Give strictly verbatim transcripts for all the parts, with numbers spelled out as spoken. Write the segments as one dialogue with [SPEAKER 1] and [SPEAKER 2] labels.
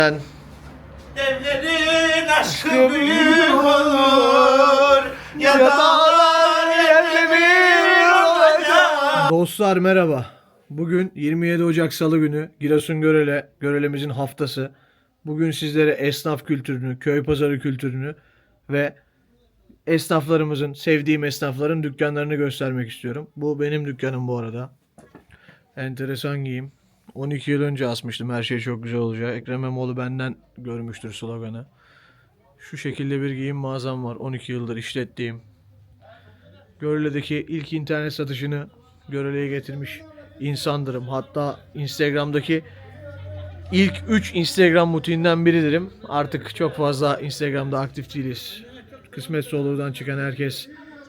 [SPEAKER 1] Devlerin aşkı büyük olur, ya dağlar yerle bir olacak.
[SPEAKER 2] Dostlar merhaba. Bugün yirmi yedi Ocak Salı günü Giresun Görele, Görelemizin haftası. Bugün sizlere esnaf kültürünü, köy pazarı kültürünü ve esnaflarımızın, sevdiğim esnafların dükkanlarını göstermek istiyorum. Bu benim dükkanım bu arada. Enteresan giyim. on iki yıl önce asmıştım her şey çok güzel olacak. Ekrem İmamoğlu benden görmüştür sloganı. Şu şekilde bir giyim mağazam var. on iki yıldır işlettiğim. Görele'deki ilk internet satışını Görele'ye getirmiş insandırım. Hatta Instagram'daki ilk üç Instagram butiğinden biridirim. Artık çok fazla Instagram'da aktif değiliz. Kısmetse olurdan çıkan herkes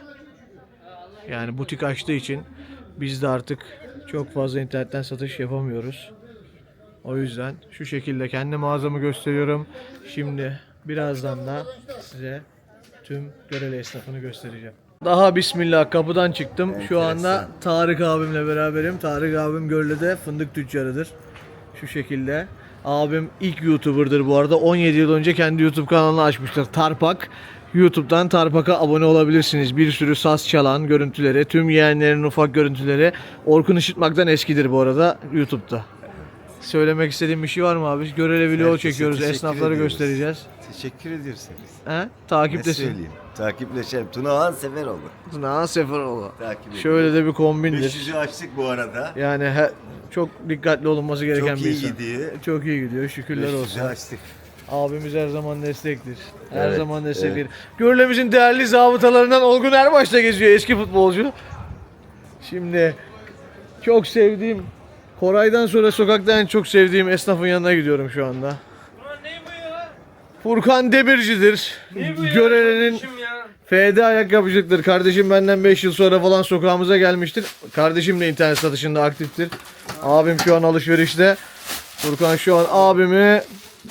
[SPEAKER 2] yani butik açtığı için biz de artık çok fazla internetten satış yapamıyoruz. O yüzden şu şekilde kendi mağazamı gösteriyorum. Şimdi birazdan da size tüm Görele esnafını göstereceğim. Daha bismillah kapıdan çıktım. Şu anda Tarık abimle beraberim. Tarık abim Görele'de fındık tüccarıdır. Şu şekilde. Abim ilk YouTuber'dır bu arada. on yedi yıl önce kendi YouTube kanalını açmıştır. Tarpak. YouTube'dan Tarpak'a abone olabilirsiniz. Bir sürü saz çalan görüntüleri, tüm yeğenlerin ufak görüntüleri. Orkun Işıtmak'tan eskidir bu arada YouTube'da. Söylemek istediğim bir şey var mı abi? Görele video
[SPEAKER 3] Herkese
[SPEAKER 2] çekiyoruz.
[SPEAKER 3] teşekkür
[SPEAKER 2] Esnafları
[SPEAKER 3] ediyoruz.
[SPEAKER 2] göstereceğiz.
[SPEAKER 3] Teşekkür ediyorsunuz.
[SPEAKER 2] He?
[SPEAKER 3] Ne
[SPEAKER 2] Takiptesin.
[SPEAKER 3] söyleyeyim? Takipleşelim. Tunahan Seferoğlu.
[SPEAKER 2] Tuna Seferoğlu.
[SPEAKER 3] Takip
[SPEAKER 2] Şöyle de bir kombindir.
[SPEAKER 3] beş yüzü açtık bu arada.
[SPEAKER 2] Yani he, çok dikkatli olunması gereken
[SPEAKER 3] Çok
[SPEAKER 2] bir
[SPEAKER 3] iyi
[SPEAKER 2] insan.
[SPEAKER 3] gidiyor.
[SPEAKER 2] Çok iyi gidiyor. Şükürler
[SPEAKER 3] beş yüzü
[SPEAKER 2] olsun.
[SPEAKER 3] açtık.
[SPEAKER 2] Abimiz her zaman destektir. Her
[SPEAKER 3] Evet,
[SPEAKER 2] zaman destektir. Görülemizin değerli zabıtalarından Olgun Erbaş da geziyor, eski futbolcu. Şimdi çok sevdiğim, Koray'dan sonra sokakta en çok sevdiğim esnafın yanına gidiyorum şu anda.
[SPEAKER 1] Ulan ne bu ya?
[SPEAKER 2] Furkan Demirci'dir.
[SPEAKER 1] Ne bu ya?
[SPEAKER 2] Görele'nin
[SPEAKER 1] Kardeşim ya.
[SPEAKER 2] F D ayakkabıcılıktır. Kardeşim benden beş yıl sonra falan sokağımıza gelmiştir. Kardeşim de internet satışında aktiftir. Abim şu an alışverişte. Furkan şu an abimi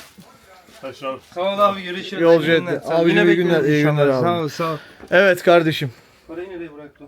[SPEAKER 1] Sağ ol abi, görüşürüz.
[SPEAKER 2] Yolcu
[SPEAKER 1] İyi günler.
[SPEAKER 2] etti.
[SPEAKER 1] Sağ ol.
[SPEAKER 2] Abi
[SPEAKER 1] Yine
[SPEAKER 2] iyi günler,
[SPEAKER 1] bekliyoruz
[SPEAKER 2] iyi
[SPEAKER 1] inşallah.
[SPEAKER 2] günler abi.
[SPEAKER 1] Sağ ol, sağ ol.
[SPEAKER 2] evet kardeşim.
[SPEAKER 1] Parayı nereye bıraktın?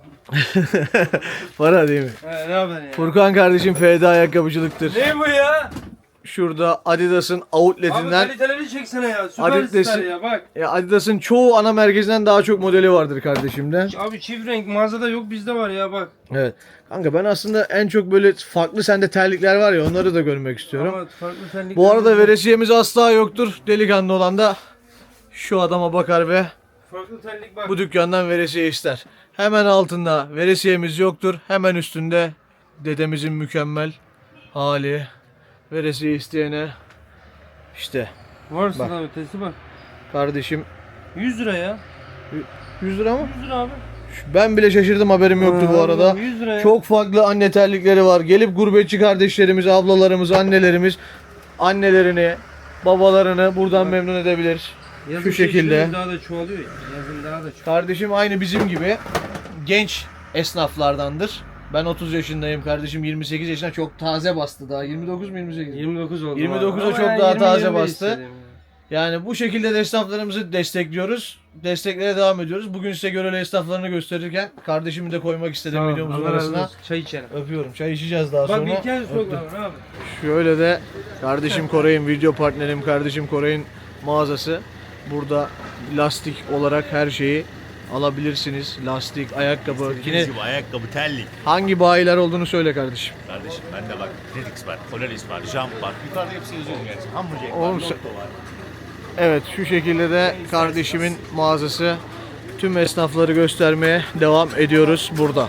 [SPEAKER 2] Para değil mi?
[SPEAKER 1] He, ne haber ya?
[SPEAKER 2] Furkan kardeşim F D ayakkabıcılıktır.
[SPEAKER 1] Ne bu ya?
[SPEAKER 2] Şurada Adidas'ın
[SPEAKER 1] Abi
[SPEAKER 2] outletinden
[SPEAKER 1] kaliteleri çeksene ya.
[SPEAKER 2] Adidas'ın-
[SPEAKER 1] Süperstar ya bak.
[SPEAKER 2] ya Adidas'ın çoğu ana merkezinden daha çok modeli vardır kardeşimde.
[SPEAKER 1] Abi çift renk mağazada yok, bizde var ya bak.
[SPEAKER 2] Evet. Kanka ben aslında en çok böyle farklı sende terlikler var ya onları da görmek istiyorum.
[SPEAKER 1] Ama farklı terlikler
[SPEAKER 2] Bu arada
[SPEAKER 1] var.
[SPEAKER 2] veresiyemiz asla yoktur. Delikanlı olan da şu adama bakar ve
[SPEAKER 1] Farklı terlik bak.
[SPEAKER 2] bu dükkandan veresiye ister. Hemen altında veresiyemiz yoktur. Hemen üstünde dedemizin mükemmel hali. Veresiye isteyene işte
[SPEAKER 1] Varsın
[SPEAKER 2] Bak.
[SPEAKER 1] abi, testi bak.
[SPEAKER 2] kardeşim
[SPEAKER 1] yüz lira ya.
[SPEAKER 2] yüz lira mı?
[SPEAKER 1] yüz lira abi.
[SPEAKER 2] Ben bile şaşırdım, haberim yoktu bu
[SPEAKER 1] Aa,
[SPEAKER 2] arada.
[SPEAKER 1] yüz lira ya.
[SPEAKER 2] Çok farklı anne terlikleri var. Gelip gurbetçi kardeşlerimiz, ablalarımız, annelerimiz annelerini, babalarını buradan memnun edebilir.
[SPEAKER 1] Yazın
[SPEAKER 2] Şu şekilde.
[SPEAKER 1] çeşitleri daha da çoğalıyor ya. Yazın daha da çoğalıyor.
[SPEAKER 2] Kardeşim aynı bizim gibi genç esnaflardandır. Ben otuz yaşındayım, kardeşim yirmi sekiz yaşında, çok taze bastı daha. yirmi dokuz mu yirmi sekiz?
[SPEAKER 1] yirmi dokuz oldu.
[SPEAKER 2] yirmi
[SPEAKER 1] abi.
[SPEAKER 2] dokuza
[SPEAKER 1] Ama
[SPEAKER 2] çok
[SPEAKER 1] yani
[SPEAKER 2] daha
[SPEAKER 1] yirmi,
[SPEAKER 2] taze
[SPEAKER 1] yirmi beş
[SPEAKER 2] bastı.
[SPEAKER 1] istedim ya.
[SPEAKER 2] Yani bu şekilde de esnaflarımızı destekliyoruz. Desteklere devam ediyoruz. Bugün size Görele esnaflarını gösterirken kardeşimi de koymak istedim
[SPEAKER 1] Tamam,
[SPEAKER 2] videomuzun
[SPEAKER 1] Allah razı
[SPEAKER 2] arasına.
[SPEAKER 1] olsun. Çay içelim.
[SPEAKER 2] Öpüyorum. Çay içeceğiz daha
[SPEAKER 1] Bak
[SPEAKER 2] sonra.
[SPEAKER 1] bir hikaye sok
[SPEAKER 2] Öptüm.
[SPEAKER 1] abi abi.
[SPEAKER 2] Şöyle de kardeşim Koray'ın video partnerim, kardeşim Koray'ın mağazası. Burada lastik olarak her şeyi alabilirsiniz. Lastik, ayakkabı. Yine
[SPEAKER 4] Gibi ayakkabı, terlik.
[SPEAKER 2] hangi bayiler olduğunu söyle kardeşim.
[SPEAKER 4] Kardeşim bende bak Redix var, Polaris var, Jump var. Yukarıda hepsi yazıyor gerçi. Hamburger var,
[SPEAKER 2] Oğlum
[SPEAKER 4] Lotto
[SPEAKER 2] sen-
[SPEAKER 4] var.
[SPEAKER 2] Evet, şu şekilde de kardeşimin mağazası. Tüm esnafları göstermeye devam ediyoruz burada.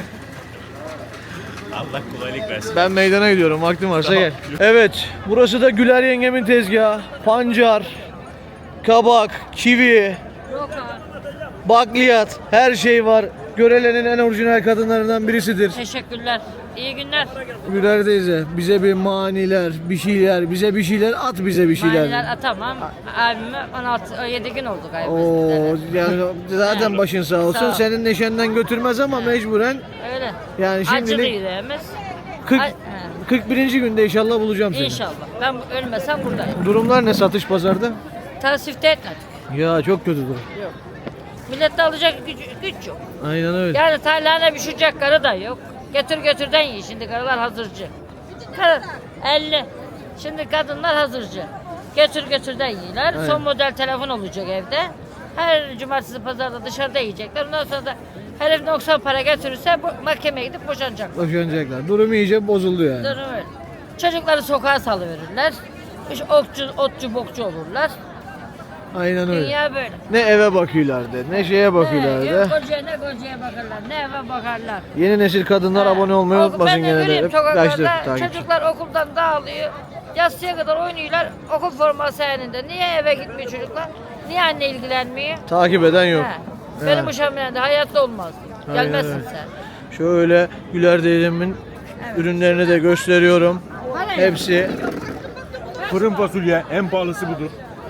[SPEAKER 4] Allah kolaylık versin.
[SPEAKER 2] Ben meydana gidiyorum. Vaktim varsa gel. Evet. Burası da Güler yengemin tezgahı. Pancar, kabak, kivi, bakliyat, her şey var. Görele'nin en orijinal kadınlarından birisidir.
[SPEAKER 5] Teşekkürler. İyi günler.
[SPEAKER 2] Güler teyze bize bir maniler, bir şeyler, bize bir şeyler at, bize bir şeyler.
[SPEAKER 5] Maniler atamam. Abime on altı on yedi gün oldu galiba.
[SPEAKER 2] Oo, yani zaten başın sağ olsun.
[SPEAKER 5] Sağ ol.
[SPEAKER 2] Senin neşenden götürmez ama mecburen
[SPEAKER 5] Öyle.
[SPEAKER 2] yani
[SPEAKER 5] Acılı
[SPEAKER 2] şimdilik
[SPEAKER 5] yüreğimiz.
[SPEAKER 2] kırk,
[SPEAKER 5] Ay- he.
[SPEAKER 2] kırk birinci günde inşallah bulacağım seni.
[SPEAKER 5] İnşallah. Ben ölmesem buradayım.
[SPEAKER 2] Durumlar ne satış pazarda?
[SPEAKER 5] Tasvifte etmedik.
[SPEAKER 2] Ya çok kötü durum.
[SPEAKER 5] Millette alacak güç, güç yok.
[SPEAKER 2] Aynen öyle.
[SPEAKER 5] Yani tarlana pişirecek karı da yok. Getir götürden yiyin. Şimdi karılar hazırcı. Karı elli. Şimdi kadınlar hazırcı. Götür götür de yiyorlar.
[SPEAKER 2] Aynen.
[SPEAKER 5] Son model telefon olacak evde. Her cumartesi pazarda dışarıda yiyecekler. Ondan sonra da herif noksan para götürürse bu mahkemeye gidip boşanacak.
[SPEAKER 2] Boşanacaklar. Durum iyice bozuldu yani.
[SPEAKER 5] Durum öyle. Çocukları sokağa salıverirler. İşte okçu, otçu, bokçu olurlar.
[SPEAKER 2] Aynen öyle.
[SPEAKER 5] Dünya böyle.
[SPEAKER 2] Ne eve bakıyorlardı, ne şeye
[SPEAKER 5] Ne,
[SPEAKER 2] bakıyorlardı.
[SPEAKER 5] yok kocaya ne kocaya bakarlar, ne eve bakarlar.
[SPEAKER 2] Yeni nesil kadınlar
[SPEAKER 5] He.
[SPEAKER 2] abone olmayı
[SPEAKER 5] Oku-
[SPEAKER 2] unutmasın
[SPEAKER 5] ben de
[SPEAKER 2] gene de.
[SPEAKER 5] göreyim
[SPEAKER 2] Hep yaşlı
[SPEAKER 5] sokaklarda
[SPEAKER 2] takipçi.
[SPEAKER 5] çocuklar okuldan dağılıyor. Yatsıya kadar oynuyorlar okul forması elinde. Niye eve gitmiyor çocuklar? Niye anne ilgilenmiyor?
[SPEAKER 2] Takip eden yok.
[SPEAKER 5] He. Benim bu şamilende hayatta olmaz.
[SPEAKER 2] Aynen
[SPEAKER 5] Gelmezsin
[SPEAKER 2] öyle.
[SPEAKER 5] sen.
[SPEAKER 2] Şöyle Güler teyzemin ürünlerini de gösteriyorum. Hepsi
[SPEAKER 4] Fırın fasulye en pahalısı budur.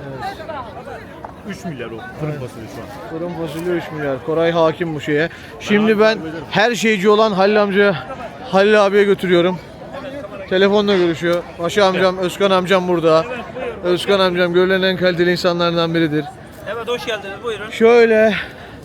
[SPEAKER 4] üç milyar o fırın fasulye şu an.
[SPEAKER 2] fırın fasulye üç milyar. Koray hakim bu şeye. Şimdi ben her şeyci olan Halil amca, Halil abiye götürüyorum. Telefonla görüşüyor. Paşa amcam, Özkan amcam burada. Özkan amcam görülen en kaliteli insanlardan biridir.
[SPEAKER 6] Evet hoş geldiniz buyurun.
[SPEAKER 2] Şöyle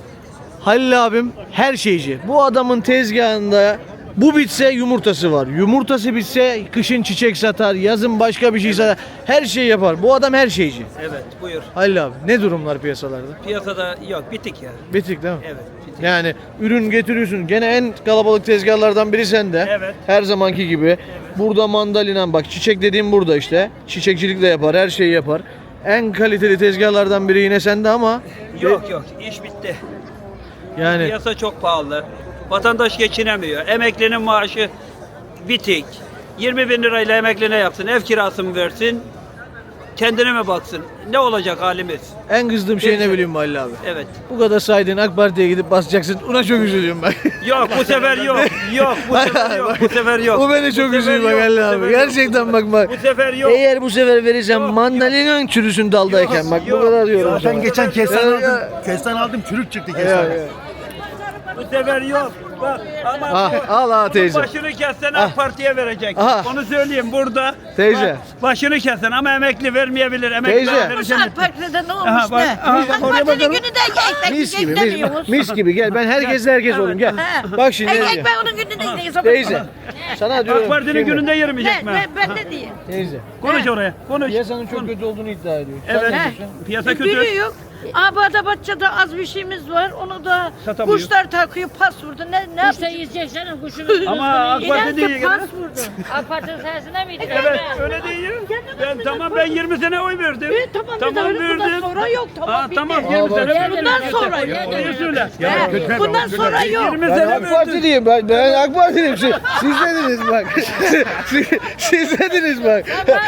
[SPEAKER 2] Halil abim her şeyci. Bu adamın tezgahında bu bitse yumurtası var. Yumurtası bitse kışın çiçek satar, yazın başka bir şey satar. Her şeyi yapar. Bu adam her şeyci.
[SPEAKER 6] Evet buyur.
[SPEAKER 2] Halil abi ne durumlar piyasalarda?
[SPEAKER 6] Piyasada yok bitik ya.
[SPEAKER 2] Bitik değil mi?
[SPEAKER 6] Evet bitik.
[SPEAKER 2] Yani ürün getiriyorsun. Gene en kalabalık tezgahlardan biri sende.
[SPEAKER 6] Evet.
[SPEAKER 2] Her zamanki gibi. Burada mandalina bak çiçek dediğim burada işte. Çiçekçilik de yapar, her şeyi yapar. En kaliteli tezgahlardan biri yine sende ama
[SPEAKER 6] Yok yok iş bitti.
[SPEAKER 2] yani
[SPEAKER 6] Piyasa çok pahalı. Vatandaş geçinemiyor. Emeklinin maaşı bitik. yirmi bin lirayla emekli ne yapsın? Ev kirası mı versin? Kendine mi baksın? Ne olacak halimiz?
[SPEAKER 2] en kızdığım şey ne bileyim Halil abi.
[SPEAKER 6] Evet.
[SPEAKER 2] Bu kadar saydığın AK Parti'ye gidip basacaksın. Ona çok üzülüyorum ben.
[SPEAKER 6] Yok bu sefer yok. Yok bu sefer yok. Bu sefer yok.
[SPEAKER 2] Bu beni çok
[SPEAKER 6] Bu sefer
[SPEAKER 2] üzüyor bak
[SPEAKER 6] yok,
[SPEAKER 2] Halil
[SPEAKER 6] bu
[SPEAKER 2] abi.
[SPEAKER 6] sefer yok,
[SPEAKER 2] Gerçekten
[SPEAKER 6] bu
[SPEAKER 2] bak bak.
[SPEAKER 6] Bu sefer yok.
[SPEAKER 2] Eğer bu sefer verirsen
[SPEAKER 6] Yok,
[SPEAKER 2] mandalina çürüsün daldayken bak bu
[SPEAKER 6] yok,
[SPEAKER 2] kadar diyorum.
[SPEAKER 6] yok.
[SPEAKER 2] sana.
[SPEAKER 4] Ben geçen
[SPEAKER 2] Ya,
[SPEAKER 4] kestane
[SPEAKER 2] ya.
[SPEAKER 4] aldım. Kestane aldım çürük çıktı
[SPEAKER 2] Ya,
[SPEAKER 4] kestane.
[SPEAKER 2] ya.
[SPEAKER 6] Bu sefer yok. Bak ama
[SPEAKER 2] Ah,
[SPEAKER 6] bu-
[SPEAKER 2] al ha
[SPEAKER 6] bunun
[SPEAKER 2] teyze.
[SPEAKER 6] başını kessen
[SPEAKER 2] Ah.
[SPEAKER 6] AK Parti'ye verecek.
[SPEAKER 2] Aha.
[SPEAKER 6] Onu söyleyeyim burada.
[SPEAKER 2] Teyze.
[SPEAKER 6] Bak, başını kessen ama emekli vermeyebilir. Emekli
[SPEAKER 2] Teyze.
[SPEAKER 6] verirsen-
[SPEAKER 7] AK Parti'de ne olmuş
[SPEAKER 6] Aha, bak,
[SPEAKER 7] ne?
[SPEAKER 6] aha, bak,
[SPEAKER 7] AK
[SPEAKER 6] oraya
[SPEAKER 7] Parti'nin
[SPEAKER 6] bakalım.
[SPEAKER 7] günü de ekmek
[SPEAKER 2] Mis gibi,
[SPEAKER 7] yiyecek
[SPEAKER 2] mis,
[SPEAKER 7] demiyoruz.
[SPEAKER 2] mis gibi gel. Ben herkesle herkes olayım gel. Bak şimdi ne
[SPEAKER 7] Ekmek
[SPEAKER 2] diyeceğim.
[SPEAKER 7] ben onun gününde yiyeceğim.
[SPEAKER 2] Teyze. Sana diyorum.
[SPEAKER 6] AK Parti'nin
[SPEAKER 2] şimdi,
[SPEAKER 6] gününde yemeyecek
[SPEAKER 7] Ben,
[SPEAKER 6] mi?
[SPEAKER 7] ben, ben ne diyeyim?
[SPEAKER 2] Teyze.
[SPEAKER 6] Konuş oraya. Konuş.
[SPEAKER 2] Piyasanın çok kötü olduğunu iddia ediyor. Sen
[SPEAKER 6] Evet.
[SPEAKER 2] ne diyorsun?
[SPEAKER 6] Piyasa kötü.
[SPEAKER 7] Biri yok. Abada Bahçe'de az bir şeyimiz var. Onu da
[SPEAKER 6] Satamıyor.
[SPEAKER 7] kuşlar takıyor pas vurdu. Ne, ne
[SPEAKER 5] İşte
[SPEAKER 7] yapacak?
[SPEAKER 5] yiyecek canım kuşunu.
[SPEAKER 6] Ama AK
[SPEAKER 7] İnan
[SPEAKER 6] Parti
[SPEAKER 7] ki
[SPEAKER 6] değil.
[SPEAKER 7] pas vurdu.
[SPEAKER 5] AK Parti'nin sayesinde miydi?
[SPEAKER 6] Evet öyle değil. Ben tamam ben yirmi sene oy verdim.
[SPEAKER 7] E, tamam, bir de öyle bundan sonra yok. Tamam,
[SPEAKER 6] Ha,
[SPEAKER 7] bitti.
[SPEAKER 6] tamam
[SPEAKER 2] Aa,
[SPEAKER 6] yirmi
[SPEAKER 2] bak.
[SPEAKER 6] sene verdim.
[SPEAKER 7] Bundan sonra yok.
[SPEAKER 6] Onu söyle.
[SPEAKER 7] He, bundan sonra yok.
[SPEAKER 6] yirmi
[SPEAKER 2] Ben
[SPEAKER 6] sene
[SPEAKER 2] AK
[SPEAKER 6] verdim.
[SPEAKER 2] Parti'liyim. Ben, ben AK Parti'liyim. Siz, siz dediniz bak. siz, siz dediniz bak.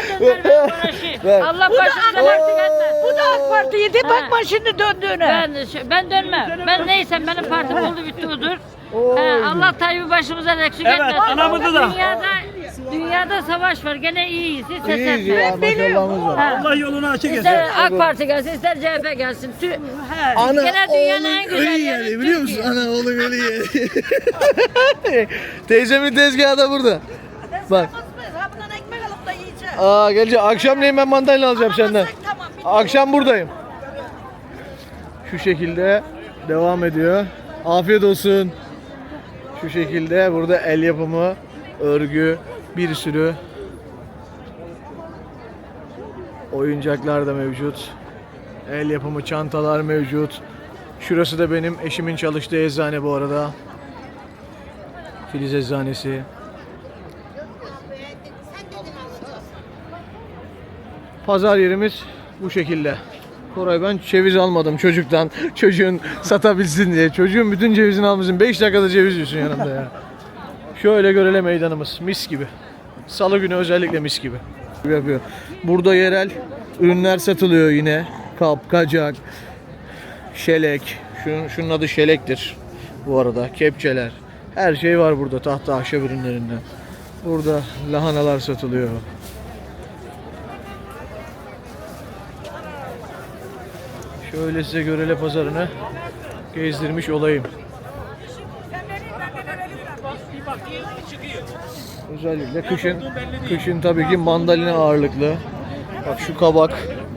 [SPEAKER 2] Bak.
[SPEAKER 5] Allah
[SPEAKER 7] Bu da
[SPEAKER 5] başımıza
[SPEAKER 7] AK
[SPEAKER 5] eksik etmez.
[SPEAKER 7] Bu da AK Parti'ydi. Bakma şimdi döndüğüne.
[SPEAKER 5] Ben ben dönmem. Ben neysem benim partim oldu bitti odur. He, Allah Tayyip'i başımızdan eksik
[SPEAKER 6] Evet,
[SPEAKER 5] etmez.
[SPEAKER 6] anamızı da.
[SPEAKER 5] Dünyada dünyada savaş var. Gene iyiyiz. Hiç ses
[SPEAKER 2] İyiyiz ya.
[SPEAKER 5] etmeyin.
[SPEAKER 2] Maşallahımız var.
[SPEAKER 5] Ha.
[SPEAKER 6] Allah yolunu açık etsin.
[SPEAKER 5] İster AK Parti gelsin, ister C H P gelsin. Tü,
[SPEAKER 2] Ana
[SPEAKER 5] gene dünyanın en
[SPEAKER 2] oğlum
[SPEAKER 5] güzel
[SPEAKER 2] ölü
[SPEAKER 5] yeri
[SPEAKER 2] yeri biliyor musun?
[SPEAKER 5] Türkiye.
[SPEAKER 2] Ana oğlum ölü yeri. Teyzemin tezgahı da burada. Bak.
[SPEAKER 7] Ha, bundan ekmek alıp da yiyeceğim.
[SPEAKER 2] Aa gelecek. Akşamleyin ben mandalina alacağım senden.
[SPEAKER 7] Alamasak tamam, bitti.
[SPEAKER 2] Akşam buradayım. Şu şekilde devam ediyor. Afiyet olsun. Şu şekilde burada el yapımı, örgü, bir sürü oyuncaklar da mevcut. El yapımı çantalar mevcut. Şurası da benim eşimin çalıştığı eczane bu arada. Filiz Eczanesi. Pazar yerimiz bu şekilde. Koray ben ceviz almadım çocuktan. Çocuğun satabilsin diye. Çocuğun bütün cevizini almışsın. beş dakikada ceviz yiyorsun yanımda ya. Şöyle Görele meydanımız. Mis gibi. Salı günü özellikle mis gibi. Yapıyor. Burada yerel ürünler satılıyor yine. Kap, kacak, şelek. Şunun, şunun adı şelektir. Bu arada kepçeler. Her şey var burada tahta ahşap ürünlerinden. Burada lahanalar satılıyor. Şöyle size Görele pazarını gezdirmiş olayım. Özellikle kışın, kışın tabii ki mandalina ağırlıklı. Bak şu kabak,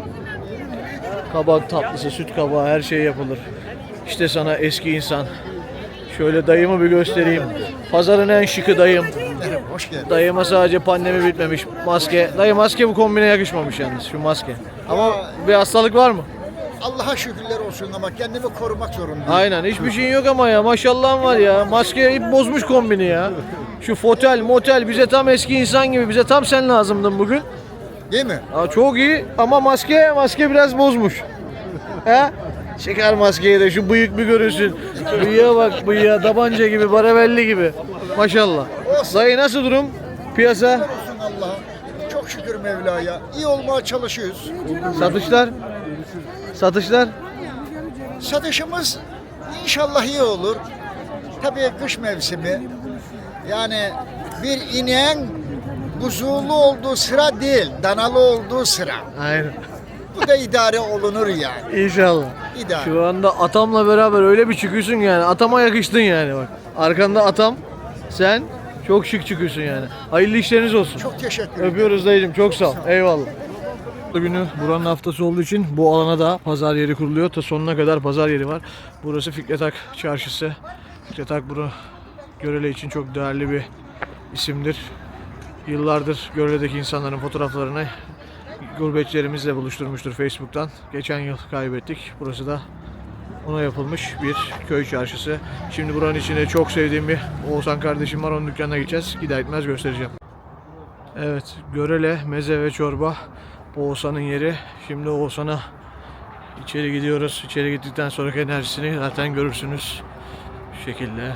[SPEAKER 2] kabak tatlısı, süt kabağı her şey yapılır. İşte sana eski insan. Şöyle dayımı bir göstereyim. Pazarın en şıkı dayım.
[SPEAKER 8] Hoş geldin.
[SPEAKER 2] Dayıma sadece pandemi bitmemiş. Maske. Dayı maske bu kombine yakışmamış yalnız şu maske. Ama bir hastalık var mı?
[SPEAKER 8] Allah'a şükürler olsun ama kendimi korumak zorundayım.
[SPEAKER 2] Aynen hiçbir şeyin yok ama ya maşallahın var ya. Maske ip bozmuş kombini ya. Şu fotel motel bize tam eski insan gibi, bize tam sen lazımdın bugün.
[SPEAKER 8] Değil mi?
[SPEAKER 2] Aa, çok iyi ama maske maske biraz bozmuş. He? Çıkar maskeyi de şu bıyık bir görürsün. Bıyığa bak, bıyığa tabanca gibi, baravelli gibi. Maşallah. Dayı nasıl durum? Piyasa?
[SPEAKER 8] Olsun Allah'a. Çok şükür Mevla'ya. İyi olmaya çalışıyoruz.
[SPEAKER 2] Satışlar? Satışlar?
[SPEAKER 8] Satışımız inşallah iyi olur. Tabii kış mevsimi. Yani bir ineğin buzulu olduğu sıra değil, danalı olduğu sıra.
[SPEAKER 2] Aynen.
[SPEAKER 8] Bu da idare olunur yani.
[SPEAKER 2] İnşallah.
[SPEAKER 8] İdare.
[SPEAKER 2] Şu anda atamla beraber öyle bir çıkıyorsun yani. Atama yakıştın yani bak. Arkanda atam. Sen çok şık çıkıyorsun yani. Hayırlı işleriniz olsun.
[SPEAKER 8] Çok teşekkür ederim.
[SPEAKER 2] Öpüyoruz dayıcım. Çok sağ ol. Eyvallah. Günü buranın haftası olduğu için bu alana da pazar yeri kuruluyor. Ta sonuna kadar pazar yeri var. Burası Fikret Ak Çarşısı. Fikret Ak bunu Görele için çok değerli bir isimdir. Yıllardır Görele'deki insanların fotoğraflarını gurbetçilerimizle buluşturmuştur Facebook'tan. Geçen yıl kaybettik. Burası da ona yapılmış bir köy çarşısı. Şimdi buranın içinde çok sevdiğim bir Oğuzhan kardeşim var. Onun dükkanına gideceğiz. Gider gitmez göstereceğim. Evet, Görele meze ve çorba Oğuzhan'ın yeri. Şimdi Oğuzhan'a içeri gidiyoruz. İçeri gittikten sonraki enerjisini zaten görürsünüz. Şu şekilde.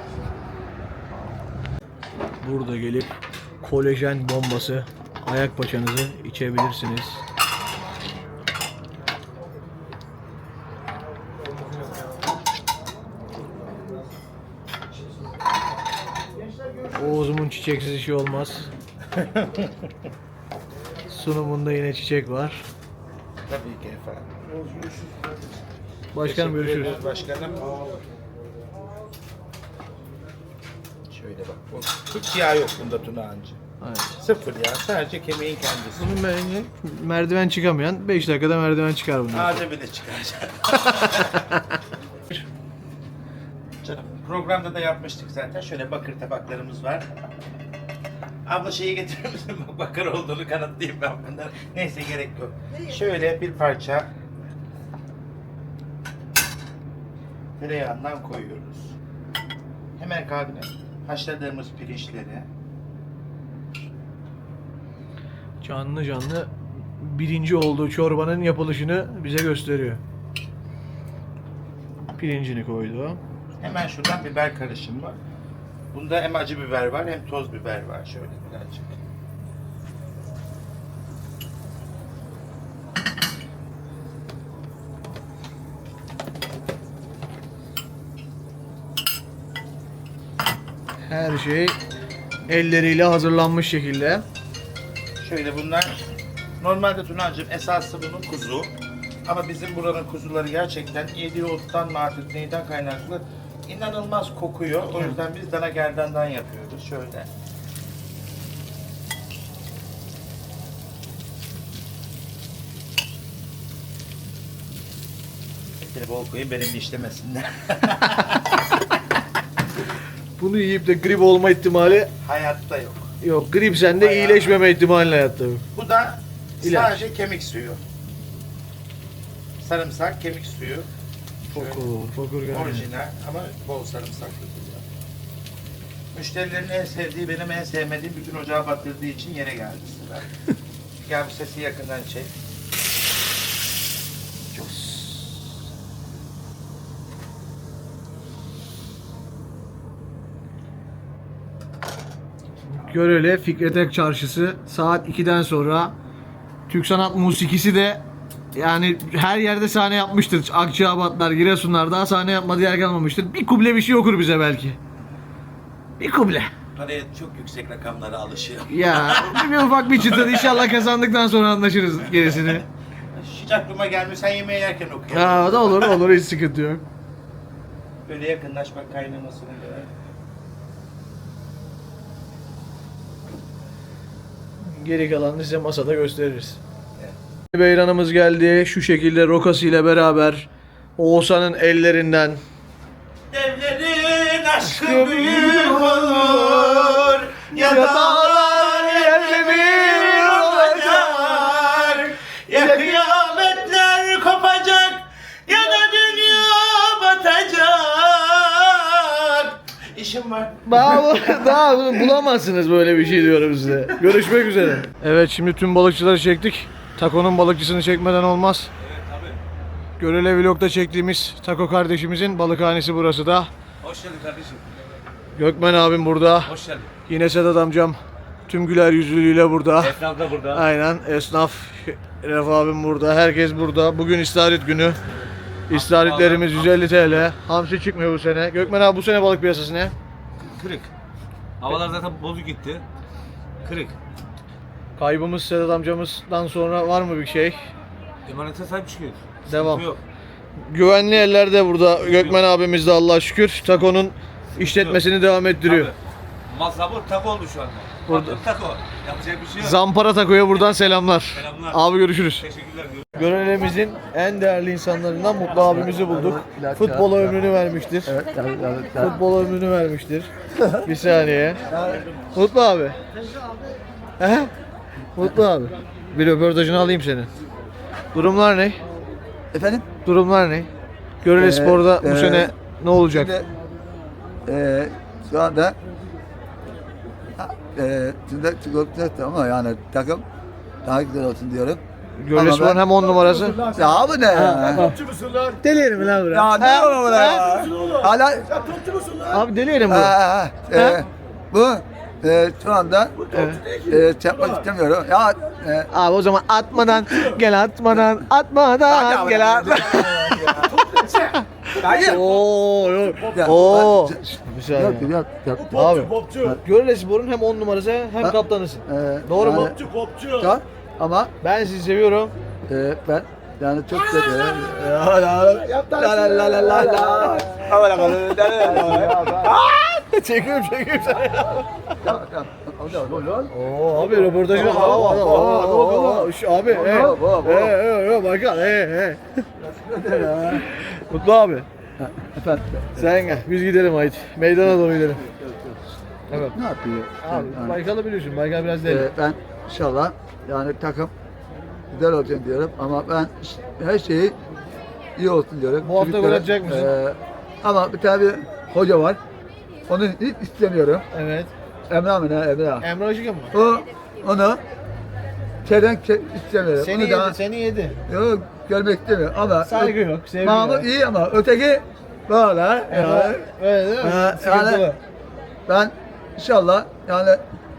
[SPEAKER 2] Burada gelip kolajen bombası ayak paçanızı içebilirsiniz. Oğuz'umun çiçeksiz işi olmaz. Sunumunda yine çiçek var.
[SPEAKER 9] Tabii ki efendim.
[SPEAKER 2] Başkanım görüşürüz.
[SPEAKER 9] Teşekkür ederiz Başkanım. Şöyle bak. bu- Hiç yağ yok bunda Tuna Hancı.
[SPEAKER 2] Evet.
[SPEAKER 9] Sıfır ya. Sadece kemiğin kendisi.
[SPEAKER 2] Bunun me- merdiven çıkamayan beş dakikada merdiven çıkar bundan.
[SPEAKER 9] Ağaca bile çıkaracak. Canım programda da yapmıştık zaten. Şöyle bakır tabaklarımız var. Abla şeyi getirir misin? Bakır olduğunu kanıtlayayım ben bundan. Neyse gerek yok. Şöyle bir parça tereyağından koyuyoruz. Hemen kabine haşladığımız pirinçleri.
[SPEAKER 2] Canlı canlı birinci olduğu çorbanın yapılışını bize gösteriyor. Pirincini koydu.
[SPEAKER 9] Hemen şuradan biber karışımı var. Bunda hem acı biber var hem toz biber var. Şöyle birazcık.
[SPEAKER 2] Her şey elleriyle hazırlanmış şekilde.
[SPEAKER 9] Şöyle bunlar normalde Tunacığım esası bunun kuzu. Ama bizim buranın kuzuları gerçekten yediği ottan mı artık neyden kaynaklı inanılmaz kokuyor. O yüzden biz dana gerdandan yapıyoruz. Şöyle. Etleri bol koyayım benim de işlemesinler.
[SPEAKER 2] Bunu yiyip de grip olma ihtimali
[SPEAKER 9] Hayatta yok.
[SPEAKER 2] yok. Grip sende,
[SPEAKER 9] Bayağı-
[SPEAKER 2] iyileşmeme ihtimali hayatta yok.
[SPEAKER 9] Bu da
[SPEAKER 2] İlaç.
[SPEAKER 9] sadece kemik suyu. Sarımsak, kemik suyu. Şöyle.
[SPEAKER 2] Fokur, fokur geldi.
[SPEAKER 9] Orijinal ama bol sarımsaklı güzel. Müşterilerin en sevdiği, benim en sevmediğim bütün ocağı batırdığı için yere geldi sıra. Gel bu sesi yakından çek.
[SPEAKER 2] Görele Fikret Ak Çarşısı saat ikiden sonra Türk sanat musikisi de yani her yerde sahne yapmıştır. Akçabatlar, Giresunlar daha sahne yapmadığı yer kalmamıştır. Bir kuble bir şey okur bize belki. Bir kuble.
[SPEAKER 9] Paraya çok yüksek rakamlara alışıyor.
[SPEAKER 2] Ya bir ufak bir çıtır inşallah kazandıktan sonra anlaşırız gerisini.
[SPEAKER 9] Hiç aklıma gelmiyor, sen yemeği yerken okuyor.
[SPEAKER 2] Ya o da olur olur hiç sıkıntı yok.
[SPEAKER 9] Böyle yakınlaş bak kaynamasını göre.
[SPEAKER 2] Geri kalanını size masada gösteririz. Beyranımız geldi. Şu şekilde rokası ile beraber Oğuzhan'ın ellerinden
[SPEAKER 9] Devlerin aşkı büyük olur, Ya dağlar yerle bir olacak, ya kıyametler kopacak, ya da dünya batacak. İşim var.
[SPEAKER 2] Daha, daha bunu bulamazsınız böyle bir şey diyorum size. Görüşmek üzere. Evet şimdi tüm balıkçıları çektik. Tako'nun balıkçısını çekmeden olmaz. Görele Vlog'da çektiğimiz Tako kardeşimizin balıkhanesi burası da.
[SPEAKER 4] Hoş geldin kardeşim.
[SPEAKER 2] Gökmen abim burada.
[SPEAKER 4] Hoş geldin.
[SPEAKER 2] Yine Sedat amcam tüm güler yüzlülüğüyle burada.
[SPEAKER 4] Esnaf da burada.
[SPEAKER 2] Aynen esnaf Ref abim burada. Herkes burada. Bugün istarit günü. İstaritlerimiz yüz elli TL. Hamsi çıkmıyor bu sene. Gökmen abi bu sene balık piyasası ne?
[SPEAKER 4] Kırık. Havalar zaten bozuk gitti. Kırık.
[SPEAKER 2] Kaybımız Sedat amcamızdan sonra var mı bir şey?
[SPEAKER 4] Emanete sahip çıkıyor.
[SPEAKER 2] Devam.
[SPEAKER 4] Sıkıntı yok.
[SPEAKER 2] Güvenli ellerde burada. Gökmen abimiz de Allah'a şükür Tako'nun işletmesini devam ettiriyor.
[SPEAKER 4] Tabii. Mal sabır tako oldu şu anda.
[SPEAKER 2] Burada.
[SPEAKER 4] Burada. Tako. Yapacak bir şey yok.
[SPEAKER 2] Zampara Tako'ya buradan selamlar.
[SPEAKER 4] Selamlar.
[SPEAKER 2] Abi görüşürüz.
[SPEAKER 4] Teşekkürler.
[SPEAKER 2] Görelemizin en değerli insanlarından Mutlu abimizi bulduk. Futbola ömrünü vermiştir. Futbola ömrünü vermiştir. Bir saniye. Mutlu abi. He? Mutlu abi. Bir röportajını alayım senin. Durumlar ne?
[SPEAKER 8] Efendim?
[SPEAKER 2] Durumlar ne? Görele
[SPEAKER 8] Ee,
[SPEAKER 2] Spor'da bu
[SPEAKER 8] e,
[SPEAKER 2] sene ne olacak?
[SPEAKER 8] Şimdi, eee şu anda eee şimdi çıkarttı ama yani takım daha güzel olsun diyorum.
[SPEAKER 2] Görele
[SPEAKER 8] ama
[SPEAKER 2] Spor'un
[SPEAKER 8] ben-
[SPEAKER 2] hem on numarası.
[SPEAKER 8] Ya bu ne ya?
[SPEAKER 2] Deli yerim lan buraya.
[SPEAKER 8] Ya ne olur bu ya? Hala
[SPEAKER 2] Abi deli yerim bu.
[SPEAKER 8] Ha, ha, eee, bu eee şu anda eee çarpmak istemiyorum. Ya eee
[SPEAKER 2] Abi o zaman atmadan gel atmadan atmadan gel at. Oo yok.
[SPEAKER 8] Ya,
[SPEAKER 2] Oo.
[SPEAKER 8] ben-
[SPEAKER 2] Bir saniye.
[SPEAKER 8] Yok, yok, yok.
[SPEAKER 2] Abi. Görele Spor'un hem on numarası hem
[SPEAKER 8] Ha.
[SPEAKER 2] kaptanısın.
[SPEAKER 8] Eee,
[SPEAKER 2] Doğru mu?
[SPEAKER 8] yani- Tamam. Ama
[SPEAKER 2] Ben sizi seviyorum.
[SPEAKER 8] eee ben yani çok seviyorum. La la la la la la la.
[SPEAKER 2] Çekiyorum çekiyorum seni.
[SPEAKER 8] Tamam, tamam.
[SPEAKER 2] Oo abi röportajı. Aa, aa, aa, aa, şu Abi. He.
[SPEAKER 8] Hop, hop, hop.
[SPEAKER 2] He he he bakalım. He he. Mutlu abi.
[SPEAKER 8] Efendim.
[SPEAKER 2] Sen gel. Biz gidelim haydi. Meydana doğru gidelim. Evet.
[SPEAKER 8] Ne yapıyor?
[SPEAKER 2] Abi
[SPEAKER 8] Yani,
[SPEAKER 2] Baykal'ı biliyorsun. Baykal biraz deli.
[SPEAKER 8] eee, ben inşallah yani takım güzel olacak diyorum ama ben her şeyi iyi olsun diyorum.
[SPEAKER 2] Bu hafta
[SPEAKER 8] Çocuklara,
[SPEAKER 2] gol atacak mısın?
[SPEAKER 8] eee, ama bir tane bir hoca var. Onu hiç istemiyorum.
[SPEAKER 2] Evet.
[SPEAKER 8] Emre abi ne Emre abi.
[SPEAKER 2] Emre Aşık'a mı?
[SPEAKER 8] O onu çelenk istemiyorum.
[SPEAKER 2] Seni
[SPEAKER 8] onu
[SPEAKER 2] yedi,
[SPEAKER 8] daha
[SPEAKER 2] seni yedi.
[SPEAKER 8] yok, görmek istemiyorum ama
[SPEAKER 2] Saygı yok, sevgi
[SPEAKER 8] Mahmut
[SPEAKER 2] yok.
[SPEAKER 8] iyi ama öteki böyle. Yani,
[SPEAKER 2] Evet, öyle değil mi?
[SPEAKER 8] Ha,
[SPEAKER 2] Sıkıntılı.
[SPEAKER 8] yani- ben inşallah yani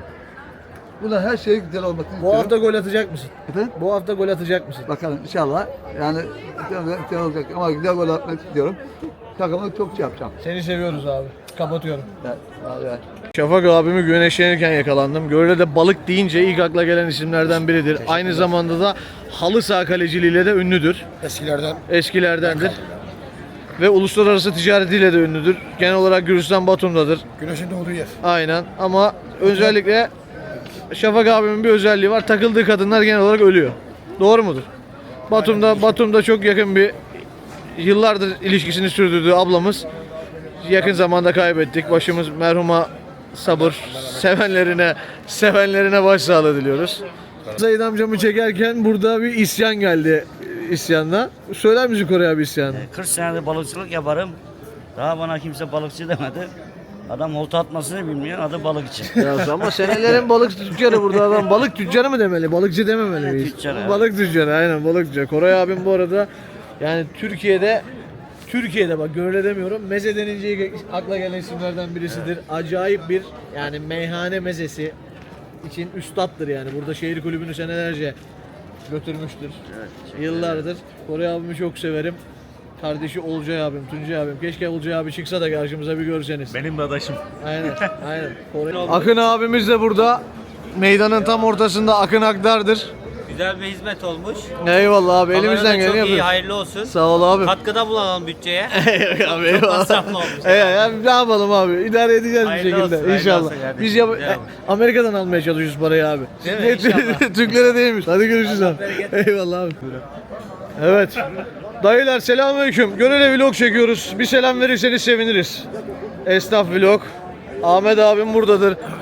[SPEAKER 8] buna her şey güzel olmasını
[SPEAKER 2] Bu
[SPEAKER 8] istiyorum.
[SPEAKER 2] hafta gol atacak mısın?
[SPEAKER 8] Efendim?
[SPEAKER 2] Bu hafta gol atacak mısın?
[SPEAKER 8] Bakalım inşallah yani güzel, güzel olacak ama güzel gol atmak istiyorum. Takımı çok şey yapacağım.
[SPEAKER 2] Seni seviyoruz abi. Kapatıyorum.
[SPEAKER 8] Evet, evet.
[SPEAKER 2] Şafak abimi güneşlenirken yakalandım. Göre'de balık deyince ilk akla gelen isimlerden biridir. Aynı zamanda da halı saha kaleciliğiyle de ünlüdür.
[SPEAKER 8] Eskilerden.
[SPEAKER 2] Eskilerdendir. Ve uluslararası ticaretiyle de ünlüdür. Genel olarak Gürcistan Batum'dadır.
[SPEAKER 8] Güneşin doğduğu yer.
[SPEAKER 2] Aynen ama özellikle Şafak abimin bir özelliği var. Takıldığı kadınlar genel olarak ölüyor. Doğru mudur? Batum'da Batum'da çok yakın bir yıllardır ilişkisini sürdürdüğü ablamız yakın zamanda kaybettik. Başımız merhuma sabır. Sevenlerine sevenlerine başsağlığı diliyoruz. Said amcamı çekerken burada bir isyan geldi isyanla. Söyler misin Koray abi isyanı?
[SPEAKER 10] kırk senedir balıkçılık yaparım. Daha bana kimse balıkçı demedi. Adam olta atmasını bilmiyor, adı balıkçı.
[SPEAKER 2] Ya ama senelerin balık tüccarı burada adam. Balık tüccarı mı demeli? Balıkçı dememeli miyiz?
[SPEAKER 10] Tüccar, evet.
[SPEAKER 2] Balık tüccarı aynen balık tüccarı. Koray abim bu arada yani Türkiye'de Türkiye'de bak Görele demiyorum. Meze denince ilk akla gelen isimlerden birisidir. Acayip bir yani meyhane mezesi için üstattır yani. Burada şehir kulübünü senelerce götürmüştür. Yıllardır. Koray abimi çok severim. Kardeşi Olcay abim, Tuncay abim. Keşke Olcay abi çıksa da karşımıza bir görseniz.
[SPEAKER 4] Benim de adaşım.
[SPEAKER 2] Aynen, aynen. Koray- Akın abimiz de burada. Meydanın tam ortasında Akın Akdar'dır.
[SPEAKER 11] Güzel bir hizmet olmuş.
[SPEAKER 2] Eyvallah abi, elimizden
[SPEAKER 11] Kamerada
[SPEAKER 2] geleni
[SPEAKER 11] çok iyi,
[SPEAKER 2] yapıyoruz.
[SPEAKER 11] hayırlı olsun.
[SPEAKER 2] Sağ ol abi.
[SPEAKER 11] Katkıda bulunalım bütçeye.
[SPEAKER 2] abi, eyvallah.
[SPEAKER 11] masraflı olmuş.
[SPEAKER 2] E, ya, ne yapalım abi? İdare edeceğiz
[SPEAKER 11] Hayırlı
[SPEAKER 2] bir şekilde.
[SPEAKER 11] olsun, hayırlı
[SPEAKER 2] İnşallah.
[SPEAKER 11] olsun kardeşim.
[SPEAKER 2] Biz yap-
[SPEAKER 11] Devam.
[SPEAKER 2] Amerika'dan almaya çalışıyoruz parayı abi.
[SPEAKER 11] Değil mi? İnşallah.
[SPEAKER 2] Türklere değilmiş. Hadi görüşürüz abi. Eyvallah abi. Evet. Dayılar selamünaleyküm. Görele vlog çekiyoruz. Bir selam verirseniz seviniriz. Esnaf vlog. Ahmet abim buradadır.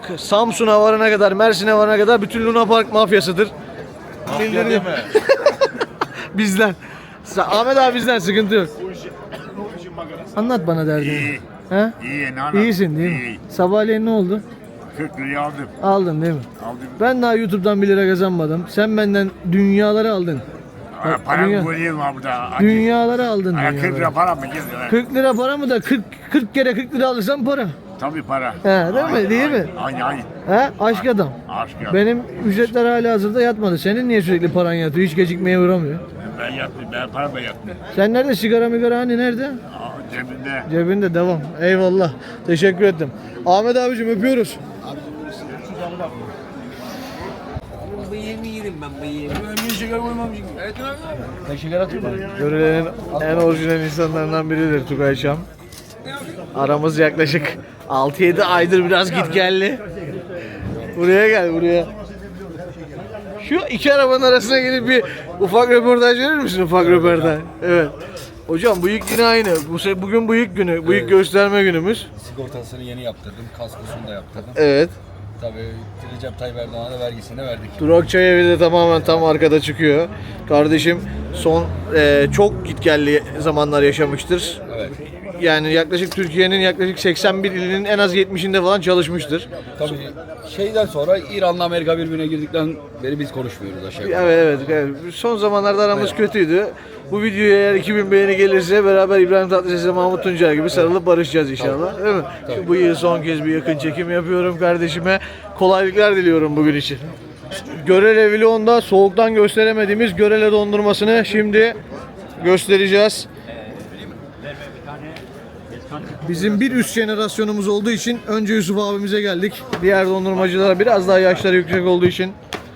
[SPEAKER 2] K- Samsun'a varana kadar, Mersin'e varana kadar bütün Luna Park mafyasıdır. Bildiriyor. Bizden. Sa- Ahmet abi bizden sıkıntı yok. Anlat bana derdini. İyi. He?
[SPEAKER 4] İyi, ne
[SPEAKER 2] İyisin değil mi? Sabahleyin ne oldu?
[SPEAKER 4] kırk lirayı aldım.
[SPEAKER 2] Aldın değil mi?
[SPEAKER 4] Aldım.
[SPEAKER 2] Ben daha YouTube'dan bir lira kazanmadım. Sen benden dünyaları aldın. Bak,
[SPEAKER 4] Param
[SPEAKER 2] dünya-
[SPEAKER 4] koyayım var burada.
[SPEAKER 2] Dünyaları aldın.
[SPEAKER 4] Aya kırk
[SPEAKER 2] dünyaları.
[SPEAKER 4] lira para mı? Gel.
[SPEAKER 2] kırk lira para mı da kırk, kırk kere kırk lira alırsan para.
[SPEAKER 4] Tabii para.
[SPEAKER 2] He, değil mi? Değil mi?
[SPEAKER 4] Aynı aynı.
[SPEAKER 2] He? Aşk adam.
[SPEAKER 4] Aşk ya.
[SPEAKER 2] Benim ücretler hala hazırda yatmadı. Senin niye sürekli paran yatıyor? Hiç gecikmeye uğramıyor.
[SPEAKER 4] Ben yaptım. Ben para da yaptım.
[SPEAKER 2] Sen nerede? Sigara migara hani nerede?
[SPEAKER 4] Aa, cebinde.
[SPEAKER 2] Cebinde devam. Eyvallah. Teşekkür ettim. Ahmet abicim öpüyoruz. Görülenin en orijinal insanlarından biridir Tugay Şam. Aramız yaklaşık altı yedi aydır biraz git geldi. Buraya gel buraya. Şu iki arabanın arasına gelip bir ufak röportaj verir misin? Ufak röportaj. Evet. Hocam bıyık yine aynı. Bu se- bugün bıyık günü. Bıyık gösterme günümüz.
[SPEAKER 12] Sigortasını yeni yaptırdım, kaskosunu da yaptırdım.
[SPEAKER 2] Evet.
[SPEAKER 12] Tabii Recep Tayyip Erdoğan'a da vergisini verdik.
[SPEAKER 2] Durak Çay Evi de tamamen tam arkada çıkıyor. Kardeşim son e, çok gitgelli zamanlar yaşamıştır.
[SPEAKER 12] Evet.
[SPEAKER 2] Yani yaklaşık Türkiye'nin yaklaşık seksen bir ilinin en az yetmişinde falan çalışmıştır.
[SPEAKER 12] Tabii şeyden sonra İran'la Amerika birbirine girdikten beri biz konuşmuyoruz aşağı yukarı.
[SPEAKER 2] Evet, evet evet. Son zamanlarda aramız kötüydü. Bu videoya eğer iki bin beğeni gelirse beraber İbrahim Tatlıses'le Mahmut Tuncer gibi sarılıp barışacağız inşallah. Değil mi? Şu bu yıl son kez bir yakın çekim yapıyorum kardeşime. Kolaylıklar diliyorum bugün için. Görele Vlog'unda soğuktan gösteremediğimiz Görele dondurmasını şimdi göstereceğiz. Bizim bir üst jenerasyonumuz olduğu için önce Yusuf abimize geldik. Diğer dondurmacılara biraz daha yaşları yüksek olduğu için.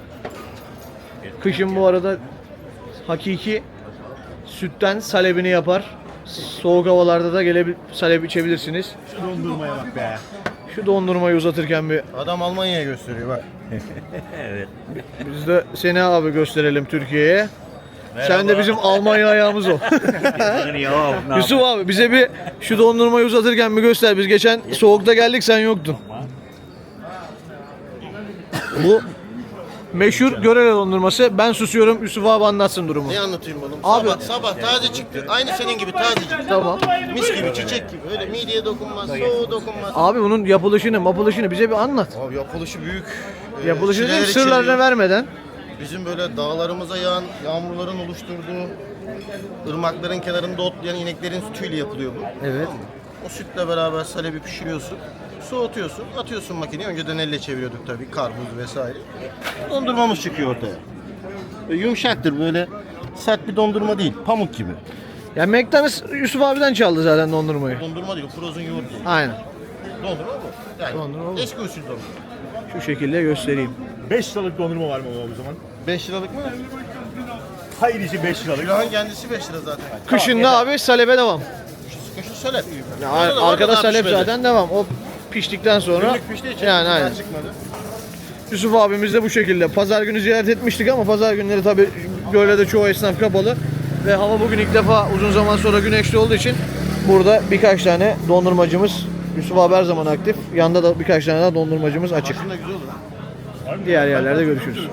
[SPEAKER 2] Kışın bu arada hakiki sütten salebini yapar. Soğuk havalarda da gelip salep içebilirsiniz.
[SPEAKER 4] Şu dondurmaya bak be.
[SPEAKER 2] Şu dondurmayı uzatırken bir
[SPEAKER 3] Adam Almanya'ya gösteriyor bak.
[SPEAKER 2] biz de seni abi gösterelim Türkiye'ye. Sen de bizim Almanya ayağımız ol. Yusuf abi bize bir şu dondurmayı uzatırken bir göster. Biz geçen soğukta geldik sen yoktun. Bu meşhur Görele dondurması. Ben susuyorum Yusuf abi anlatsın durumu.
[SPEAKER 3] Ne anlatayım oğlum?
[SPEAKER 2] Abi-
[SPEAKER 3] Sabah sabah taze çıktı. Aynı senin gibi tazecik.
[SPEAKER 2] Tamam.
[SPEAKER 3] Mis gibi çiçek gibi. Öyle mideye dokunmaz, soğuğa dokunmaz.
[SPEAKER 2] Abi bunun yapılışını, mapılışını bize bir anlat.
[SPEAKER 3] Abi yapılışı büyük. Ee,
[SPEAKER 2] Yapılışını değil mi?
[SPEAKER 3] çileleri
[SPEAKER 2] Sırlarını
[SPEAKER 3] çeliyor.
[SPEAKER 2] vermeden.
[SPEAKER 3] Bizim böyle dağlarımıza yağan yağmurların oluşturduğu ırmakların kenarında otlayan ineklerin sütüyle yapılıyor bu.
[SPEAKER 2] Evet.
[SPEAKER 3] O sütle beraber salebi pişiriyorsun. Soğutuyorsun, atıyorsun makineye. Önceden elle çeviriyorduk tabii, karpuz vesaire. Dondurmamız çıkıyor ortaya. Böyle yumuşaktır, böyle sert bir dondurma değil, pamuk gibi.
[SPEAKER 2] Ya McDonald's Yusuf abiden çaldı zaten dondurmayı.
[SPEAKER 3] Dondurma değil, frozen yoğurt.
[SPEAKER 2] Aynen.
[SPEAKER 3] Dondurma bu. Yani
[SPEAKER 2] Dondurma bu.
[SPEAKER 3] eski usul dondurma.
[SPEAKER 2] Şu şekilde göstereyim.
[SPEAKER 4] beş liralık dondurma var mı o zaman?
[SPEAKER 3] beş liralık mı?
[SPEAKER 4] Hayır içi beş liralık.
[SPEAKER 3] Külahın kendisi beş lira zaten.
[SPEAKER 2] Kışında abi salebe devam.
[SPEAKER 3] Kışı söyle.
[SPEAKER 2] Ya arkada salep zaten devam. O piştikten sonra
[SPEAKER 3] Günlük piştiği için
[SPEAKER 2] yani aynen.
[SPEAKER 3] çıkmadı.
[SPEAKER 2] Yusuf abimiz de bu şekilde. Pazar günü ziyaret etmiştik ama pazar günleri tabii Görele'de çoğu esnaf kapalı. Ve hava bugün ilk defa uzun zaman sonra güneşli olduğu için burada birkaç tane dondurmacımız, Yusuf abi her zaman aktif. Yanında da birkaç tane daha dondurmacımız açık.
[SPEAKER 3] Aslında güzel olur.
[SPEAKER 2] Diğer yerlerde görüşürüz.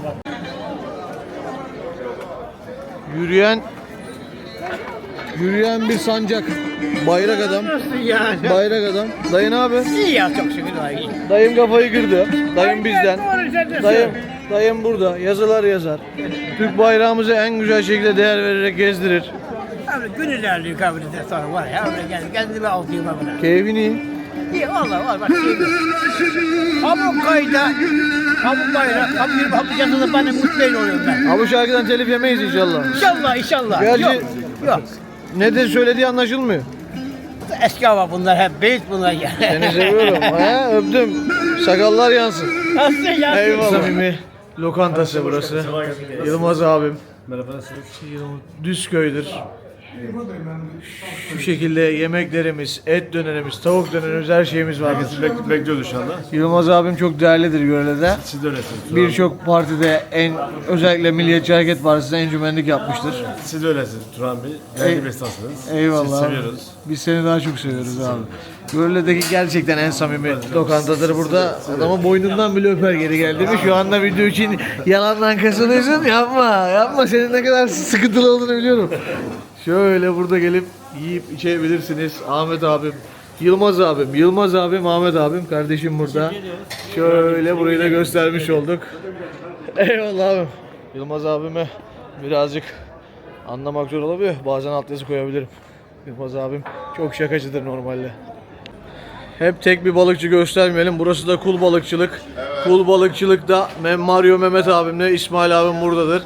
[SPEAKER 2] Yürüyen Yürüyen bir sancak. Bayrak adam. Bayrak adam. Dayı ne abi?
[SPEAKER 6] İyi ya çok şükür daha iyi.
[SPEAKER 2] Dayım kafayı kırdı. Dayım bizden. Dayım, dayım burada. Yazılar yazar. Türk bayrağımızı en güzel şekilde değer vererek gezdirir.
[SPEAKER 6] Abi gün ilerliyor kabride sonra var ya. Öyle geldi. Kendime altıyım abone.
[SPEAKER 2] Keyfini iyi.
[SPEAKER 6] İyi valla var bak. Pamuk kayda. Pamuk bayrak. Pamuk bir pamuk yazılı bana mutlu oluyorum ben.
[SPEAKER 2] Abi bu şarkıdan telif yemeyiz inşallah.
[SPEAKER 6] İnşallah inşallah.
[SPEAKER 2] Gerçi
[SPEAKER 6] Yok. Yok.
[SPEAKER 2] ne de söylediği anlaşılmıyor.
[SPEAKER 6] Eski hava bunlar hep beyt bunlar ya.
[SPEAKER 2] Seni seviyorum. He, öptüm. Sakallar yansın.
[SPEAKER 6] Nasıl ya?
[SPEAKER 2] Eyvallah. Samimi lokantası burası. Yılmaz abim.
[SPEAKER 1] Merhaba nasılsınız?
[SPEAKER 2] Düzköy'dür. Şu şekilde yemeklerimiz, et dönerimiz, tavuk dönerimiz, her şeyimiz var.
[SPEAKER 12] Bek- bekliyoruz şu anda.
[SPEAKER 2] Yılmaz abim çok değerlidir Görele'de.
[SPEAKER 12] Siz de öylesiniz.
[SPEAKER 2] Birçok partide en özellikle Milliyetçi Hareket Partisi'ne encümenlik yapmıştır.
[SPEAKER 12] Siz de öylesiniz Turan Bey. Değerli bir esnafsınız.
[SPEAKER 2] Eyvallah.
[SPEAKER 12] Sizi
[SPEAKER 2] abi.
[SPEAKER 12] seviyoruz.
[SPEAKER 2] Biz seni daha çok seviyoruz abi. Görele'deki gerçekten en samimi lokantadır burada. Adamın boynundan bile öper geri geldiğimi. Şu anda video için yalandan kasılıyorsun. Yapma, yapma. Senin ne kadar sıkıntılı olduğunu biliyorum. Şöyle burada gelip yiyip içebilirsiniz. Ahmet abim, Yılmaz abim, Yılmaz abim, Ahmet abim, kardeşim burada. Şöyle burayı da göstermiş olduk. Eyvallah abim. Yılmaz abime birazcık anlamak zor olabiliyor. Bazen alt yazı koyabilirim. Yılmaz abim çok şakacıdır normalde. Hep tek bir balıkçı göstermeyelim. Burası da kul balıkçılık. Kul balıkçılıkta Mem Mario Mehmet abimle İsmail abim buradadır.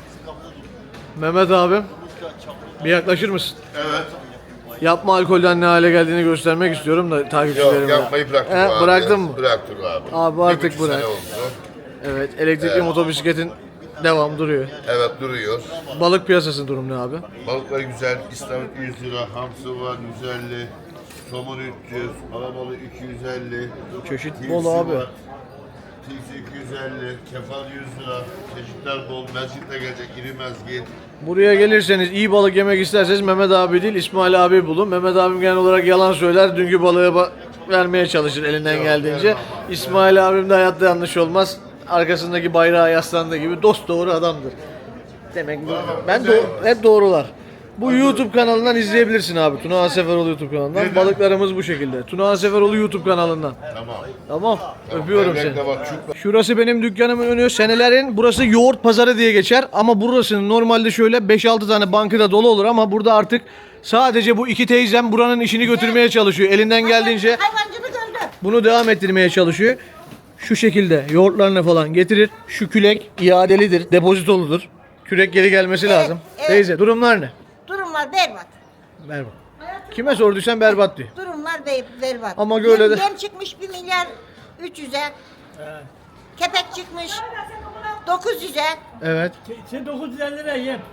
[SPEAKER 2] Mehmet abim bir yaklaşır mısın?
[SPEAKER 13] Evet.
[SPEAKER 2] Yapma alkolden ne hale geldiğini göstermek istiyorum da takipçilerime.
[SPEAKER 13] Yok yapmayı bıraktım
[SPEAKER 2] He,
[SPEAKER 13] abi.
[SPEAKER 2] bıraktın mı?
[SPEAKER 13] Bıraktık abi.
[SPEAKER 2] Abi
[SPEAKER 13] Bir
[SPEAKER 2] artık
[SPEAKER 13] buçuk sene
[SPEAKER 2] bırak.
[SPEAKER 13] oldu.
[SPEAKER 2] Evet, elektrikli
[SPEAKER 13] Evet.
[SPEAKER 2] motobisikletin devam duruyor.
[SPEAKER 13] Evet duruyor.
[SPEAKER 2] Balık piyasasının durumu ne abi?
[SPEAKER 13] Balıklar güzel. İstavrit yüz lira, hamsi var yüz elli, somon üç yüz, alabalık iki yüz elli.
[SPEAKER 2] Çeşit
[SPEAKER 13] tilsi
[SPEAKER 2] bol abi.
[SPEAKER 13] var. Tilsi iki yüz elli, kefal yüz lira. Çeşitler bol. Mezgit de gelecek, iri mezgit.
[SPEAKER 2] Buraya gelirseniz iyi balık yemek isterseniz Mehmet abi değil İsmail abi bulun. Mehmet abim genel olarak yalan söyler. Dünkü balığı ba- vermeye çalışır elinden
[SPEAKER 13] Yok,
[SPEAKER 2] geldiğince.
[SPEAKER 13] vermem.
[SPEAKER 2] İsmail abim de hayatta yanlış olmaz. Arkasındaki bayrağı yaslandığı gibi dost doğru adamdır. Demek bu- ben do- hep doğrular. Bu YouTube kanalından izleyebilirsin abi. Tuna Seferoğlu YouTube kanalından. Balıklarımız bu şekilde. Tuna Seferoğlu YouTube kanalından.
[SPEAKER 13] Tamam.
[SPEAKER 2] Tamam. Öpüyorum
[SPEAKER 13] Bebek
[SPEAKER 2] seni.
[SPEAKER 13] de bak, çupra.
[SPEAKER 2] Şurası benim dükkanımın önü. Senelerin burası yoğurt pazarı diye geçer. Ama burasının normalde şöyle beş altı tane bankada dolu olur ama burada artık sadece bu iki teyzem buranın işini götürmeye çalışıyor. Elinden geldiğince
[SPEAKER 7] Hayvancılık öldü.
[SPEAKER 2] bunu devam ettirmeye çalışıyor. Şu şekilde yoğurtlarını falan getirir. Şu külek iadelidir, depozitoludur. Kürek geri gelmesi lazım.
[SPEAKER 7] evet.
[SPEAKER 2] Teyze durumlar ne?
[SPEAKER 7] Durumlar berbat.
[SPEAKER 2] Berbat. Kime sorduysan berbat diyor.
[SPEAKER 7] Durumlar be- berbat.
[SPEAKER 2] Ama öyle de-
[SPEAKER 7] Yem, yem çıkmış bir milyar üç yüze. Kepek çıkmış dokuz yüze.
[SPEAKER 2] Evet.
[SPEAKER 6] Sen dokuz yüz elli lira yem.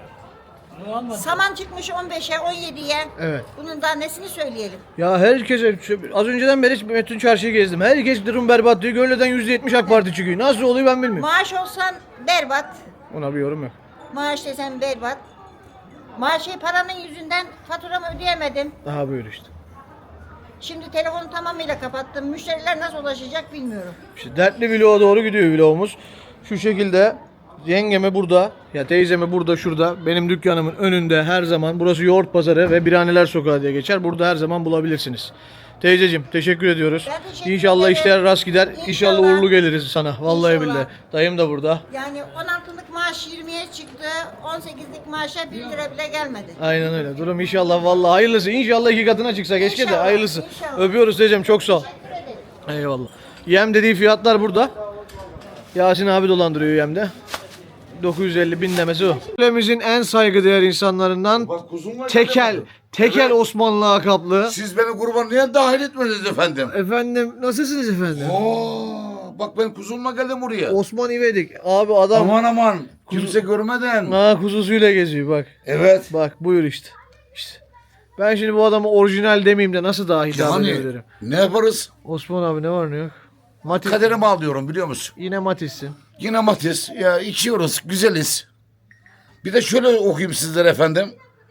[SPEAKER 7] Saman çıkmış on beşe on yediye.
[SPEAKER 2] Evet.
[SPEAKER 7] Bunun daha nesini söyleyelim?
[SPEAKER 2] Ya herkese az önceden beri bütün çarşıyı gezdim. Herkes durum berbat diyor. Gönleden yüzde yetmiş AK Parti çıkıyor. Nasıl oluyor ben bilmiyorum.
[SPEAKER 7] Maaş olsan berbat.
[SPEAKER 2] Ona bir yorum yok.
[SPEAKER 7] Maaş desen berbat. Maaşı paranın yüzünden faturamı ödeyemedim.
[SPEAKER 2] Daha böyle işte.
[SPEAKER 7] Şimdi telefonu tamamıyla kapattım. Müşteriler nasıl ulaşacak bilmiyorum.
[SPEAKER 2] İşte dertli vloğa doğru gidiyor vlogumuz. Şu şekilde yengeme burada, ya teyzeme burada şurada, benim dükkanımın önünde her zaman. Burası Yoğurt Pazarı ve Biraneler Sokağı diye geçer. Burada her zaman bulabilirsiniz. Teyzeciğim teşekkür ediyoruz.
[SPEAKER 7] Ben teşekkür
[SPEAKER 2] İnşallah
[SPEAKER 7] ederim.
[SPEAKER 2] işler rast gider. İnşallah,
[SPEAKER 7] İnşallah.
[SPEAKER 2] uğurlu geliriz sana. Vallahi
[SPEAKER 7] İnşallah.
[SPEAKER 2] billahi. Dayım da burada.
[SPEAKER 7] Yani on altılık maaş yirmiye çıktı. on sekizlik maaşa bir lira bile gelmedi.
[SPEAKER 2] Aynen öyle. Durum inşallah vallahi hayırlısı. İnşallah iki katına çıksa keşke de
[SPEAKER 7] İnşallah,
[SPEAKER 2] hayırlısı.
[SPEAKER 7] inşallah.
[SPEAKER 2] Öpüyoruz teyzem çok sağ ol. Eyvallah. Yem dediği fiyatlar burada. Yasin abi dolandırıyor yemde. dokuz yüz elli bin demesi o. Ülkemizin en saygıdeğer insanlarından
[SPEAKER 13] Bak kuzum var.
[SPEAKER 2] Tekel. Tekel Osmanlı lakaplı.
[SPEAKER 13] Siz beni kurban niye dahil etmediniz efendim?
[SPEAKER 2] Efendim nasılsınız efendim?
[SPEAKER 13] Oo, bak ben kuzumla geldim buraya.
[SPEAKER 2] Osman İvedik. Abi adam
[SPEAKER 13] Aman aman kimse görmeden.
[SPEAKER 2] ha, kuzusuyla geziyor bak.
[SPEAKER 13] Evet.
[SPEAKER 2] Bak buyur işte. İşte. Ben şimdi bu adamı orijinal demeyeyim de nasıl daha hitap
[SPEAKER 13] Yani
[SPEAKER 2] edebilirim?
[SPEAKER 13] ne yaparız?
[SPEAKER 2] Osman abi ne var ne yok? Matiz.
[SPEAKER 13] Kaderimi alıyorum biliyor musun?
[SPEAKER 2] Yine Matiz'sin.
[SPEAKER 13] Yine Matiz. Ya içiyoruz, güzeliz. Bir de şöyle okuyayım sizlere efendim.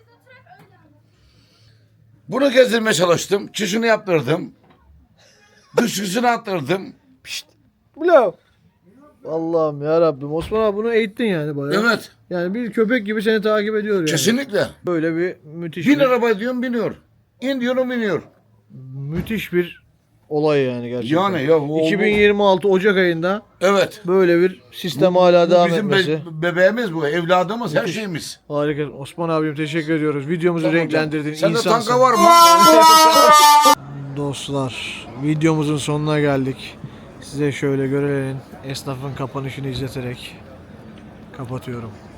[SPEAKER 13] Bunu gezdirmeye çalıştım. Çişini yaptırdım. Dışkısını attırdım.
[SPEAKER 2] Ulan. Allah'ım ya Rabbim. Osman abi bunu eğittin yani bayağı.
[SPEAKER 13] Evet.
[SPEAKER 2] Yani bir köpek gibi seni takip ediyor yani.
[SPEAKER 13] Kesinlikle.
[SPEAKER 2] Böyle bir müthiş
[SPEAKER 13] Bin
[SPEAKER 2] bir,
[SPEAKER 13] araba diyorum biniyor. İn diyorum biniyor.
[SPEAKER 2] müthiş bir olay yani gerçekten.
[SPEAKER 13] Yani ya o-
[SPEAKER 2] iki bin yirmi altı Ocak ayında
[SPEAKER 13] Evet.
[SPEAKER 2] böyle bir sistem
[SPEAKER 13] Bu-
[SPEAKER 2] hala
[SPEAKER 13] bu
[SPEAKER 2] devam
[SPEAKER 13] bizim be-
[SPEAKER 2] etmesi.
[SPEAKER 13] bebeğimiz bu, evladımız, her şeyimiz.
[SPEAKER 2] Harika. Osman abim teşekkür ediyoruz. Videomuzu
[SPEAKER 13] Tamam
[SPEAKER 2] renklendirdin.
[SPEAKER 13] canım. Sende
[SPEAKER 2] İnsansın.
[SPEAKER 13] tanka var mı?
[SPEAKER 2] Dostlar, videomuzun sonuna geldik. Size şöyle Görele'nin esnafın kapanışını izleterek kapatıyorum.